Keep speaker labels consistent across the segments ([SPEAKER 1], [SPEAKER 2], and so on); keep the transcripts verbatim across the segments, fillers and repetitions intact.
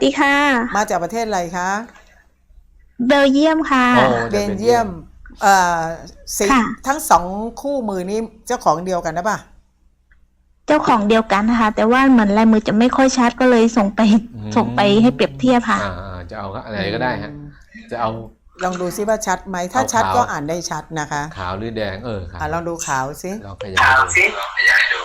[SPEAKER 1] ดีค่ะ
[SPEAKER 2] มาจากประเทศอะไรคะ
[SPEAKER 1] เบลเยียมค่ะ
[SPEAKER 2] เบลเยียมเอ่อสิทั้งสองคู่มือนี้เจ้าของเดียวกันนะป่ะ
[SPEAKER 1] เจ้าของเดียวกันนะคะแต่ว่าเหมือนลายมือจะไม่ค่อยชัดก็เลยส่งไปส่งไปให้เปรียบเทียบค่ะ
[SPEAKER 3] อ่าจะเอาอะไรก็ได้ฮะจะเอา
[SPEAKER 2] ลองดูซิว่าชัดไหมถ้าชัดก็อ่านได้ชัดนะคะ
[SPEAKER 3] ขาวหรือแดงเออขาว
[SPEAKER 2] ลองดูขาวซิ
[SPEAKER 3] ลองขยายดู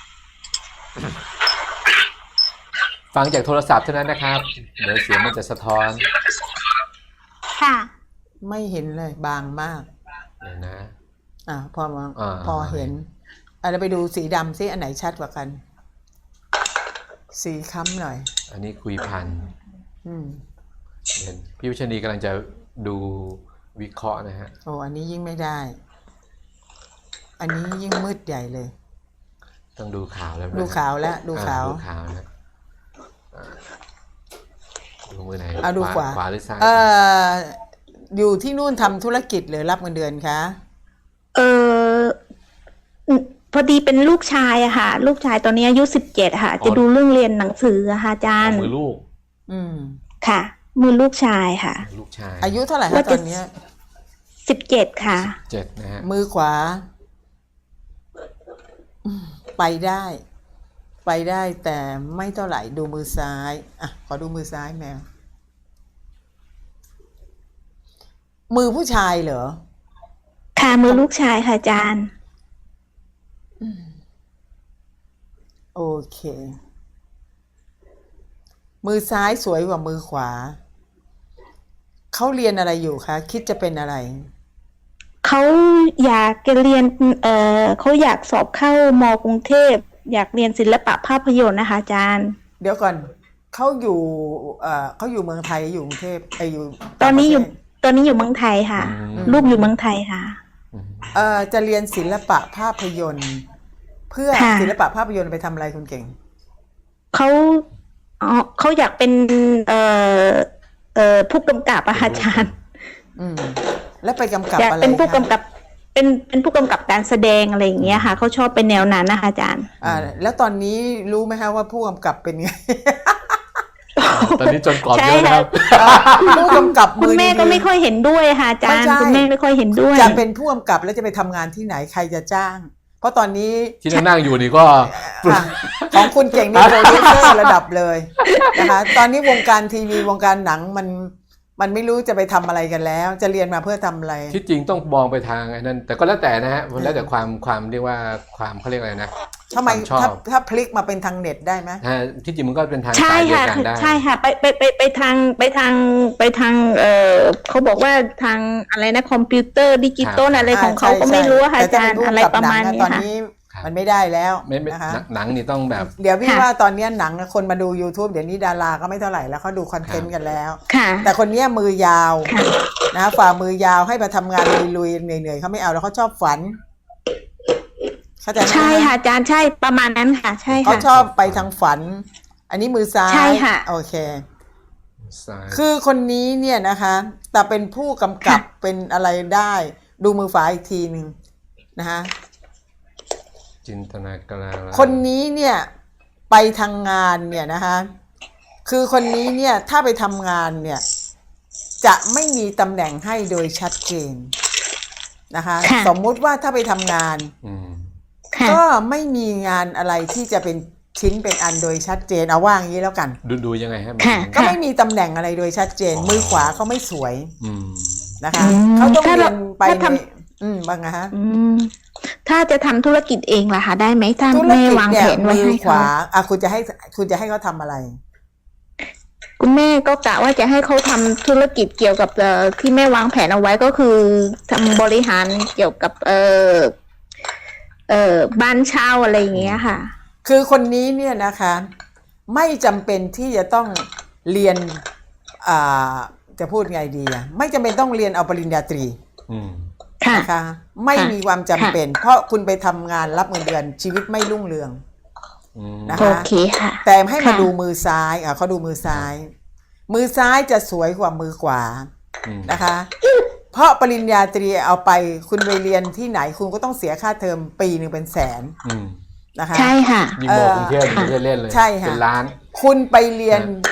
[SPEAKER 3] ฟังจากโทรศัพท์เท่านั้นนะครับเดี๋ยวเสียงมันจะสะท้อน
[SPEAKER 1] ค่ะ
[SPEAKER 2] ไม่เห็นเลยบางมาก
[SPEAKER 3] เดี๋ยวนะ
[SPEAKER 2] อ่าพอมองพอเห็นอ่ะเราไปดูสีดำซิอันไหนชัดกว่ากันสีค้ำหน่อย
[SPEAKER 3] อันนี้คุยพัน
[SPEAKER 2] อืม
[SPEAKER 3] เห็นพี่วิชนีกำลังจะดูวิเคราะห์นะฮะ
[SPEAKER 2] โอ้อันนี้ยิ่งไม่ได้อันนี้ยิ่งมืดใหญ่เลย
[SPEAKER 3] ต้องดูขาวแล้ว
[SPEAKER 2] ดูขาวแล้วดูขาว
[SPEAKER 3] ดูขาวนะดูมือไหน
[SPEAKER 2] เอาดูขวา
[SPEAKER 3] ขวาหรือซ้าย
[SPEAKER 2] เอ่ออยู่ที่นู่นทำธุรกิจหรือรับเงินเดือนคะ
[SPEAKER 1] เออพอดีเป็นลูกชายอะค่ะลูกชายตอนนี้อายุสิบเจ็ดค่ะจะดูเรื่องเรียนหนังสืออะค่ะอาจารย์
[SPEAKER 3] มือลูก
[SPEAKER 2] อืม
[SPEAKER 1] ค่ะมือลูกชายค่ะ
[SPEAKER 3] ลูกชาย
[SPEAKER 2] อายุเท่าไหร่คะตอนนี้
[SPEAKER 1] สิบเจ็ดค่ะ
[SPEAKER 3] เจ็ดนะฮะ
[SPEAKER 2] มือขวาไปได้ไปได้แต่ไม่เท่าไหร่ดูมือซ้ายอ่ะขอดูมือซ้ายแมวมือผู้ชายเหรอ
[SPEAKER 1] ค่ะมือลูกชายค่ะอาจารย์
[SPEAKER 2] โอเคมือซ้ายสวยกว่ามือขวาเขาเรียนอะไรอยู่คะคิดจะเป็นอะไร
[SPEAKER 1] เขาอยากจะเรียนเอ่อเขาอยากสอบเข้ามกรุงเทพอยากเรียนศิลปะภาพยนตร์นะคะอาจารย์
[SPEAKER 2] เดี๋ยวก่อนเขาอยู่เอ่อเขาอยู่เมืองไทยอยู่กรุงเทพไออยู่
[SPEAKER 1] ตอนนี้อยู่ตอนนี้อยู่เมืองไทยค่ะลูกอยู่เมืองไทยค่ะ
[SPEAKER 2] เอ่อจะเรียนศิลปะภาพยนตร์เพื่อศิลปะภาพยนตร์ไปทำอะไรคุณเก่ง
[SPEAKER 1] เขาอ๋อเขาอยากเป็นเอ่อเอ่อผู้กำกับอาจารย์
[SPEAKER 2] อืมแล้วไปกำกับอะไร
[SPEAKER 1] เป็นผู้กำกับเป็นเป็นผู้กำกับการแสดงอะไรอย่างเงี้ยค่ะเขาชอบเป็นแนวนั้นนะคะอาจารย์
[SPEAKER 2] อ่าแล้วตอนนี้รู้ไหมคะว่าผู้กำกับเป็นไง
[SPEAKER 3] ตอนนี้จนกรอบเยอะนะครับ
[SPEAKER 2] ผู้กำกับ
[SPEAKER 1] มือคุณแม่ก็ไม่ค่อยเห็นด้วยค่ะอาจารย์คุณแม่ไม่ค่อยเห็นด้วย
[SPEAKER 2] จะเป็นผู้กำกับแล้วจะไปทำงานที่ไหนใครจะจ้างเพราะตอนนี้
[SPEAKER 3] ที่นั่งอยู่นี่ก็
[SPEAKER 2] ของคุณเก่งนี่โปรดิวเซอร์ระดับเลยนะคะตอนนี้วงการทีวีวงการหนังมันมันไม่รู้จะไปทำอะไรกันแล้วจะเรียนมาเพื่อทำอะไร
[SPEAKER 3] ที่จริงต้องมองไปทางไอ้นั้นแต่ก็แล้วแต่นะฮะมันแล้วแต่ความความเรียกว่าความเขาเรียกอะไรนะ
[SPEAKER 2] ทำไมถ้าถ้าพลิกมาเป็นทางเน็ตได้ไหม
[SPEAKER 3] ที่จริงมันก็เป็นทางสายเดียวกันได้
[SPEAKER 1] ใช่ค่ะไปไปไปไปทางไปทางไปทางเออเขาบอกว่าทางอะไรนะคอมพิวเตอร์ดิจิตอลอะไรของเขาก็ไม่รู้ค่ะอาจารย์อะไรประมาณนี้ค่ะ
[SPEAKER 2] มันไม่ได้แล้ว
[SPEAKER 3] นะคะหนังนี่ต้องแบบ
[SPEAKER 2] เดี๋ยวพี่ว่าตอนนี้หนังคนมาดู YouTube เดี๋ยวนี้ดาราก็ไม่เท่าไหร่แล้วเขาดูคอนเทนต์กันแล้วแต่คนนี้มือยาวนะฝ่ามือยาวให้มาทำงานลุยๆเหนื่อยๆเขาไม่เอาแล้วเขาชอบฝัน
[SPEAKER 1] ใช่ค่ะอาจารย์ใช่ประมาณนั้นค่ะใช่ค่ะ
[SPEAKER 2] เขาชอบไปทางฝันอันนี้มือซ้าย
[SPEAKER 1] ใช่ค่ะ
[SPEAKER 2] โอเคคือคนนี้เนี่ยนะคะแต่เป็นผู้กำกับเป็นอะไรได้ดูมือฝาอีกทีหนึ่งนะคะ
[SPEAKER 3] จินตนาการ
[SPEAKER 2] คนนี้เนี่ยไปทางงานเนี่ยนะคะคือคนนี้เนี่ยถ้าไปทำงานเนี่ยจะไม่มีตำแหน่งให้โดยชัดเจนนะคะสมมุติว่าถ้าไปทำงานก็ไม่มีงานอะไรที่จะเป็นชิ้นเป็นอันโดยชัดเจนเอาว่าอย่างนี้แล้วกัน
[SPEAKER 3] ดูดูยังไงฮะ
[SPEAKER 2] ก็ไม่มีตำแหน่งอะไรโดยชัดเจนมือขวาเขาไม่สวยนะคะเขาต้องเรียนไปอืมบ้างนะฮะ
[SPEAKER 1] ถ้าจะทำธุรกิจเองล่ะคะได้ไหมถ้าแม่วางแผนไว้ให้เขา
[SPEAKER 2] อ่ะคุณจะให้คุณจะให้เขาทำอะไร
[SPEAKER 1] คุณแม่ก็กะว่าจะให้เขาทำธุรกิจเกี่ยวกับเอ่อที่แม่วางแผนเอาไว้ก็คือทำบริหารเกี่ยวกับเอ่อเอ่อบ้านเช่าอะไรอย่างเงี้ยค่ะ
[SPEAKER 2] คือคนนี้เนี่ยนะคะไม่จำเป็นที่จะต้องเรียนอ่าจะพูดไงดีอ่ะไม่จำเป็นต้องเรียนเอาปริญญาตรีนะคะไม่มีความจำเป็นเพราะคุณไปทำงานรับเงินเดือนชีวิตไม่รุ่งเรืองนะคะแต่ให้มาดูมือซ้ายอ่ะเขาดูมือซ้ายมือซ้ายจะสวยกว่ามือขวานะคะเพราะปริญญาตรีเอาไปคุณไปเรียนที่ไหนคุณก็ต้องเสียค่าเทอมปีหนึ่งเป็นแสนนะคะ
[SPEAKER 1] ใช่ค่ะ
[SPEAKER 3] ยิ่งบอกกรุงเทพยิ่งเล่นเลย
[SPEAKER 2] ใช่ค่ะ
[SPEAKER 3] เป็นล้าน
[SPEAKER 2] คุณไปเรียน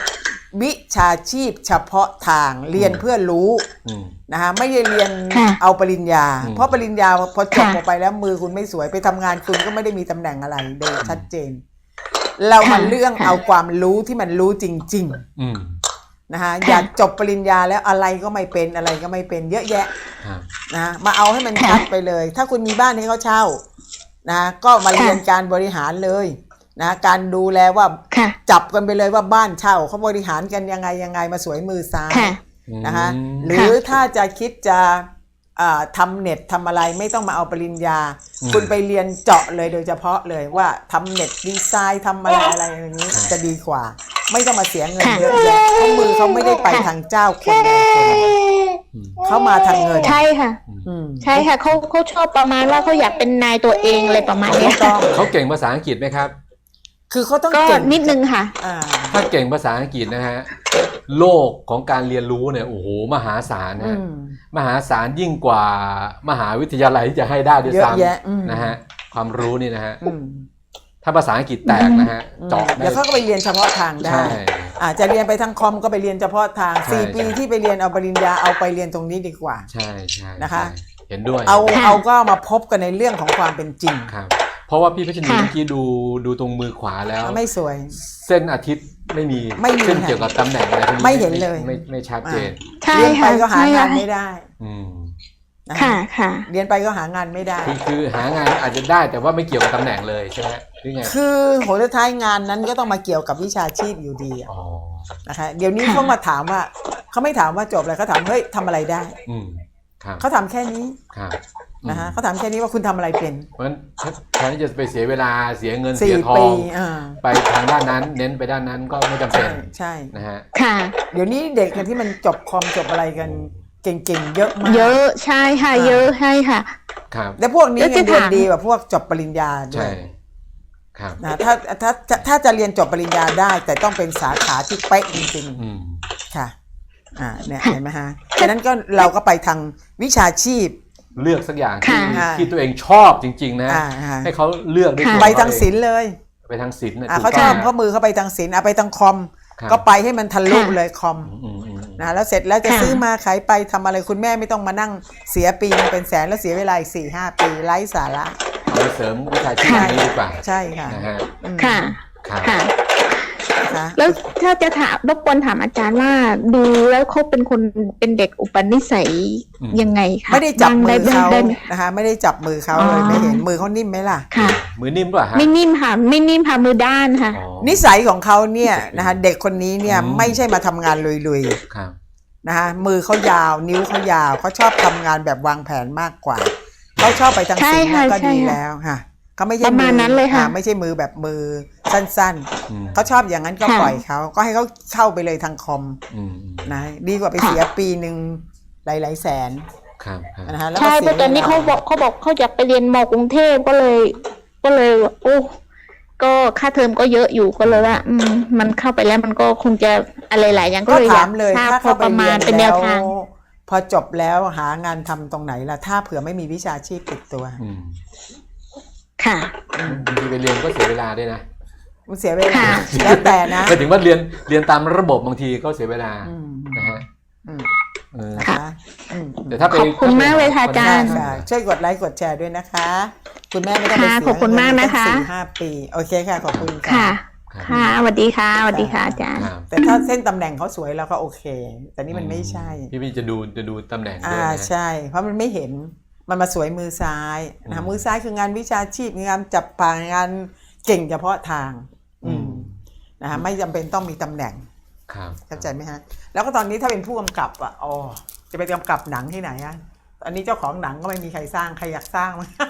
[SPEAKER 2] วิชาชีพเฉพาะทางเรียนเพื่อรู้
[SPEAKER 3] อืม
[SPEAKER 2] นะฮะไม่ได้เรียน
[SPEAKER 1] ค่ะ
[SPEAKER 2] เอาปริญญา
[SPEAKER 3] อืม
[SPEAKER 2] เพราะปริญญาพอจบ
[SPEAKER 1] ค่ะ
[SPEAKER 2] ออกไปแล้วมือคุณไม่สวยไปทำงานคุณก็ไม่ได้มีตำแหน่งอะไรโดยชัดเจน เรามา
[SPEAKER 1] ค่ะ
[SPEAKER 2] เรื่อง
[SPEAKER 1] ค่ะ
[SPEAKER 2] เอาความรู้ที่มันรู้จริง
[SPEAKER 3] อืม
[SPEAKER 2] ๆนะฮะ
[SPEAKER 1] ค่ะ
[SPEAKER 2] อย่าจบปริญญาแล้วอะไรก็ไม่เป็นอะไรก็ไม่เป็นเยอะแยะ
[SPEAKER 3] ครับ
[SPEAKER 2] นะมาเอาให้มันชัดไปเลย ถ้าคุณมีบ้านให้เขาเช่านะก็มาเรียนการบริหารเลยนะการดูแลว่า
[SPEAKER 1] ค่ะ
[SPEAKER 2] จับกันไปเลยว่าบ้านเช่าเขาบริหารกันยังไงยังไงมาสวยมือซ้าย
[SPEAKER 1] ค่ะ
[SPEAKER 2] นะคะ
[SPEAKER 3] อืม
[SPEAKER 2] หรือถ้าจะคิดจะอ่าทำเน็ตทำอะไรไม่ต้องมาเอาปริญญา
[SPEAKER 3] อืม
[SPEAKER 2] คุณไปเรียนเจาะเลยโดยเฉพาะเลยว่าทำเน็ตดีไซน์ทำอะไรอะไรอย่างนี้
[SPEAKER 3] ครับ
[SPEAKER 2] จะดีกว่า ไม่ต้องมาเสียเงิน
[SPEAKER 1] ค่ะ
[SPEAKER 2] เยอะแยะเพราะมือเขาไม่ได้ไปทางเจ้าคนใดคนหนึ่ง
[SPEAKER 3] อืม
[SPEAKER 2] เขามาทางเงิน
[SPEAKER 1] ใช่ค่ะ
[SPEAKER 2] อืม
[SPEAKER 1] ใช่ค่ะเขาเขาชอบประมาณว่าเขาอยากเป็นนายตัวเองอะไรประมาณ
[SPEAKER 2] ถู
[SPEAKER 1] เนี้
[SPEAKER 2] ก
[SPEAKER 1] ย
[SPEAKER 2] ต้อง
[SPEAKER 3] เขาเก่งภาษาอังกฤษไหมครับ
[SPEAKER 2] คือเขาต้อง
[SPEAKER 1] ก็
[SPEAKER 2] เก่ง
[SPEAKER 1] นิดนึงค่ะ
[SPEAKER 2] อ่า
[SPEAKER 3] ถ้าเก่งภาษาอังกฤษนะฮะโลกของการเรียนรู้เนี่ยโอ้โหมหาศาลนะ
[SPEAKER 2] อื
[SPEAKER 3] ฮะ
[SPEAKER 2] ม
[SPEAKER 3] มหาศาลยิ่งกว่ามหาวิทยาลัยที่จะให้ได้ด้วย
[SPEAKER 2] เยอะ
[SPEAKER 3] ซ้
[SPEAKER 2] แยะอืม
[SPEAKER 3] ำนะฮะความรู้นี่นะฮะ
[SPEAKER 2] อืม
[SPEAKER 3] ถ้าภาษาอังกฤษแตกนะฮะเจาะได้
[SPEAKER 2] แล้วเขาก็ไปเรียนเฉพาะทางได้
[SPEAKER 3] ใช่
[SPEAKER 2] อาจจะเรียนไปทางคอมก็ไปเรียนเฉพาะทาง
[SPEAKER 3] ใช่
[SPEAKER 2] สี่ปี
[SPEAKER 3] ใช่
[SPEAKER 2] ที่ไปเรียนเอาปริญญาเอาไปเรียนตรงนี้ดีกว่า
[SPEAKER 3] ใช่ใช่
[SPEAKER 2] นะคะ
[SPEAKER 3] ใช่เห็นด้วย
[SPEAKER 2] เอา
[SPEAKER 1] ค่ะ
[SPEAKER 2] เอาก็มาพบกันในเรื่องของความเป็นจริง
[SPEAKER 3] ครับ เพราะว่าพี่พัชนี
[SPEAKER 1] ค่ะ
[SPEAKER 3] เมื่อกี้ดูดูตรงมือขวาแล้ว
[SPEAKER 2] ไม่สวย
[SPEAKER 3] เส้นอาทิตย์ไม่มี
[SPEAKER 2] ไม่มี
[SPEAKER 3] เส้น
[SPEAKER 2] ค่ะ
[SPEAKER 3] เกี่ยวกับตำแหน่งอะไรพวกนี้
[SPEAKER 2] ไม่เห็นเลย
[SPEAKER 3] ไม่ไม่ไม่ชัดเจน
[SPEAKER 1] ใช่
[SPEAKER 2] เรียนไป
[SPEAKER 1] ค่ะ
[SPEAKER 2] ก็หา
[SPEAKER 1] ใช่
[SPEAKER 2] งา
[SPEAKER 1] ค่ะ
[SPEAKER 2] นไม่ได้
[SPEAKER 3] อืม
[SPEAKER 2] นะ
[SPEAKER 1] ค่ะค่ะ
[SPEAKER 2] เรียนไปก็หางานไม่ได้
[SPEAKER 3] คือคือหางานอาจจะได้แต่ว่าไม่เกี่ยวกับตำแหน่งเลยใช่ไหมหรือไง
[SPEAKER 2] คือโหสุดท้ายงานนั้นก็ต้องมาเกี่ยวกับวิชาชีพอยู่ดีอะ
[SPEAKER 3] อ๋อ
[SPEAKER 2] นะคะเดี๋ยวนี้
[SPEAKER 1] ค่ะ
[SPEAKER 2] เขามาถามว่าเขาไม่ถามว่าจบอะไรเขาถามเฮ้ยทำอะไรได้
[SPEAKER 3] อืมครับ
[SPEAKER 2] เขาถามแค่นี้
[SPEAKER 3] ครับ
[SPEAKER 2] นะฮะ
[SPEAKER 3] อืม
[SPEAKER 2] เขาถามแค่นี้ว่าคุณทำอะไรเป็น
[SPEAKER 3] เพราะฉะนั้นแทนที่จะไปเสียเวลาเสียเงินเสี
[SPEAKER 2] สี่
[SPEAKER 3] ยทอ
[SPEAKER 2] ปี
[SPEAKER 3] ง
[SPEAKER 2] อ่า
[SPEAKER 3] ไปทางด้านนั้น เน้นไปด้านนั้นก็ไม่จำเป็
[SPEAKER 2] ใช่
[SPEAKER 3] น
[SPEAKER 2] ใช่
[SPEAKER 3] นะฮะ
[SPEAKER 1] ค่ะ
[SPEAKER 2] เดี๋ยวนี้เด็กที่มันจบคอมจบอะไรกันเก่งๆเยอะมาก
[SPEAKER 1] เยอะใช่ค่ะ
[SPEAKER 2] อ่า
[SPEAKER 1] เยอะใช่ค่ะ
[SPEAKER 3] ครับ
[SPEAKER 2] แล้วพวกนี้
[SPEAKER 1] แล้วจะ
[SPEAKER 2] เงินเดือน
[SPEAKER 1] ถาม
[SPEAKER 2] ดีกว่าพวกจบปริญญาด้ว
[SPEAKER 3] ใช่
[SPEAKER 2] ย
[SPEAKER 3] ครับ
[SPEAKER 2] นะถ้าถ้าถ้าถ้าจะเรียนจบปริญญาได้ แต่ต้องเป็นสาขาที่เป๊ะจริง
[SPEAKER 3] อืม
[SPEAKER 2] ๆค่ะอ่าเนี่ยเห็นไหมฮะฉะนั้นก็เราก็ไปทางวิชาชีพ
[SPEAKER 3] เลือกสักอย่างที่
[SPEAKER 1] ค่ะ
[SPEAKER 3] ที่ตัวเองชอบจริง ๆ นะ
[SPEAKER 2] อ่าฮะ
[SPEAKER 3] ให้เขาเลือกด้วย
[SPEAKER 1] ค่ะ
[SPEAKER 3] ตัว
[SPEAKER 2] ไป
[SPEAKER 3] เข
[SPEAKER 2] ทาง
[SPEAKER 3] เอ
[SPEAKER 2] ศิลป์เลย
[SPEAKER 3] ไปทางศิลป์นะ
[SPEAKER 2] อ่า
[SPEAKER 3] ถูก
[SPEAKER 2] เขาช
[SPEAKER 3] ต้
[SPEAKER 2] อ
[SPEAKER 3] อบ ง
[SPEAKER 2] เขามือเขาไปทางศิลป์อ่ะไปทางคอม
[SPEAKER 3] ครับ
[SPEAKER 2] ก็ไปให้มันทะลุ
[SPEAKER 1] ค่ะ
[SPEAKER 2] เลยคอม
[SPEAKER 3] อืมอืมอืม
[SPEAKER 2] นะแล้วเสร็จแล้วจะ
[SPEAKER 1] ค่ะ
[SPEAKER 2] ซื้อมาขายไปทำอะไรคุณแม่ไม่ต้องมานั่งเสียปีนึงเป็นแสนแล้วเสียเวลาอีกสี่ห้าปีไร้สาระ
[SPEAKER 3] เอาไปเสริมวิชาชีพ
[SPEAKER 1] ค่ะ
[SPEAKER 3] นี้ดีกว่า
[SPEAKER 2] ใช่ค่ะ
[SPEAKER 3] นะฮะ
[SPEAKER 2] อืม
[SPEAKER 1] ค่ะ
[SPEAKER 3] ครับ
[SPEAKER 1] ค่ะ
[SPEAKER 2] นะคะ
[SPEAKER 1] แล้วถ้าจะถามรบกวนถามอาจารย์ว่าดูแล้วเขาเป็นคนเป็นเด็กอุปนิสัย
[SPEAKER 3] อืม
[SPEAKER 1] ยังไงคะ
[SPEAKER 2] ไม่ได้จับมือเขา
[SPEAKER 1] ได้ไหม
[SPEAKER 2] นะคะไม่ได้จับมือเขา
[SPEAKER 1] อ๋อ
[SPEAKER 2] เลยไม่เห็นมือเขานิ่มไหมล่ะ
[SPEAKER 1] ค่ะ
[SPEAKER 3] มือนิ่มป่ะฮะ
[SPEAKER 1] ไม่นิ่มค่ะไม่นิ่มค่ะมือด้านค่ะ
[SPEAKER 3] อ๋อ
[SPEAKER 2] นิสัยของเขาเนี่ยนะคะเด็กคนนี้เนี่ย
[SPEAKER 3] อืม
[SPEAKER 2] ไม่ใช่มาทำงานลุย
[SPEAKER 3] ครับ
[SPEAKER 2] ๆนะคะมือเขายาวนิ้วเขายาวเขาชอบทำงานแบบวางแผนมากกว่าเขาชอบไปทาง
[SPEAKER 1] ใช่
[SPEAKER 2] ศิลป์
[SPEAKER 1] ค่ะ
[SPEAKER 2] นะก็
[SPEAKER 1] ใช่
[SPEAKER 2] ดี
[SPEAKER 1] ค่ะ
[SPEAKER 2] แล้วค่ะเขาไม่ใช่
[SPEAKER 1] ประมาณนั้นเลยค่ะ
[SPEAKER 2] อ่าไม่ใช่มือแบบมือสั้น
[SPEAKER 3] อืม
[SPEAKER 2] ๆเขาชอบอย่างนั้นก็
[SPEAKER 1] ค่ะ
[SPEAKER 2] ปล่อยเขาก็ให้เขาเข้าไปเลยทางคอม
[SPEAKER 3] อืม
[SPEAKER 2] นะดีกว่าไปเสียปีหนึ่งหลายๆแสน
[SPEAKER 3] ครับครับ
[SPEAKER 2] นะคะแล้วก็
[SPEAKER 1] ใช่เพ
[SPEAKER 2] เสีย
[SPEAKER 1] ราะตอนนี้
[SPEAKER 2] วล
[SPEAKER 1] เขาบอกเขาบอกเขาอยากไปเรียนมกรุงเทพก็เลย ก็เลยโอ้ก็ค่าเทอมก็เยอะอยู่ก็เลยว่า อืมมันเข้าไปแล้วมันก็คงจะอะไรหลายอย่างก็
[SPEAKER 2] ก็
[SPEAKER 1] เลยอ
[SPEAKER 2] ถาย
[SPEAKER 1] าก
[SPEAKER 2] มเลย
[SPEAKER 1] ทราบ
[SPEAKER 2] ถ้า
[SPEAKER 1] พอ
[SPEAKER 2] เข้าไป
[SPEAKER 1] ประมา
[SPEAKER 2] เรีย
[SPEAKER 1] ณ
[SPEAKER 2] น
[SPEAKER 1] เป็นแน
[SPEAKER 2] แล้ว ว
[SPEAKER 1] ทาง
[SPEAKER 2] พอจบแล้วหางานทำตรงไหนล่ะถ้าเผื่อไม่มีวิชาชีพติดตัว
[SPEAKER 3] อืม
[SPEAKER 1] ค่ะ
[SPEAKER 3] บางทีไปเรียนก็เสียเวลาด้วยนะ
[SPEAKER 2] มันเสียเวลา
[SPEAKER 1] ค่ะ
[SPEAKER 2] แล้วแต่นะ
[SPEAKER 3] หมายถึงว่าเรียนเรียนตามระบบบางทีก็เสียเวลา
[SPEAKER 2] อืม
[SPEAKER 3] นะฮะ
[SPEAKER 2] อืม
[SPEAKER 3] เออ
[SPEAKER 2] นะคะอืม
[SPEAKER 3] แต่ถ้าไป
[SPEAKER 1] ขอบคุณมากเลยค่ะอาจารย์
[SPEAKER 2] ค่ะช่วยกดไลค์กดแชร์ด้วยนะคะ คุณแม่ไม่ต้องไป
[SPEAKER 1] ค่ะ
[SPEAKER 2] เสีย
[SPEAKER 1] ขอบคุณมากนะคะ
[SPEAKER 2] เงิตั้งสี่ห้าปีโอเคค่ะขอบคุณ
[SPEAKER 1] ค่ะ
[SPEAKER 2] ค่ะ
[SPEAKER 1] ค่ะสวัสดีค่ะสวัสดีค่ะอาจารย์
[SPEAKER 3] ครับ
[SPEAKER 2] แต่ถ้าเส้นตำแหน่งเขาสวยเราก็โอเค แต่นี่มันไม่ใช่
[SPEAKER 3] พี่พี่จะดูจะดูตำแหน่งด้วย
[SPEAKER 2] อ่า
[SPEAKER 3] นะ
[SPEAKER 2] ใช่ เพราะมันไม่เห็นมันมาสวยมือซ้ายนะ
[SPEAKER 3] อื
[SPEAKER 2] คะ
[SPEAKER 3] ม
[SPEAKER 2] มือซ้ายคืองานวิชาชีพงานจับปางานเก่งเฉพาะทาง อืมนะคะไม่จำเป็นต้องมีตำแหน่ง
[SPEAKER 3] ครับ
[SPEAKER 2] เข้าใจไหมฮะแล้วก็ตอนนี้ถ้าเป็นผู้กำกับอ่ะอ๋อจะไปกำกับหนังที่ไหนอ่ะตอนนี้เจ้าของหนังก็ไม่มีใครสร้างใครอยากสร้างมั้ง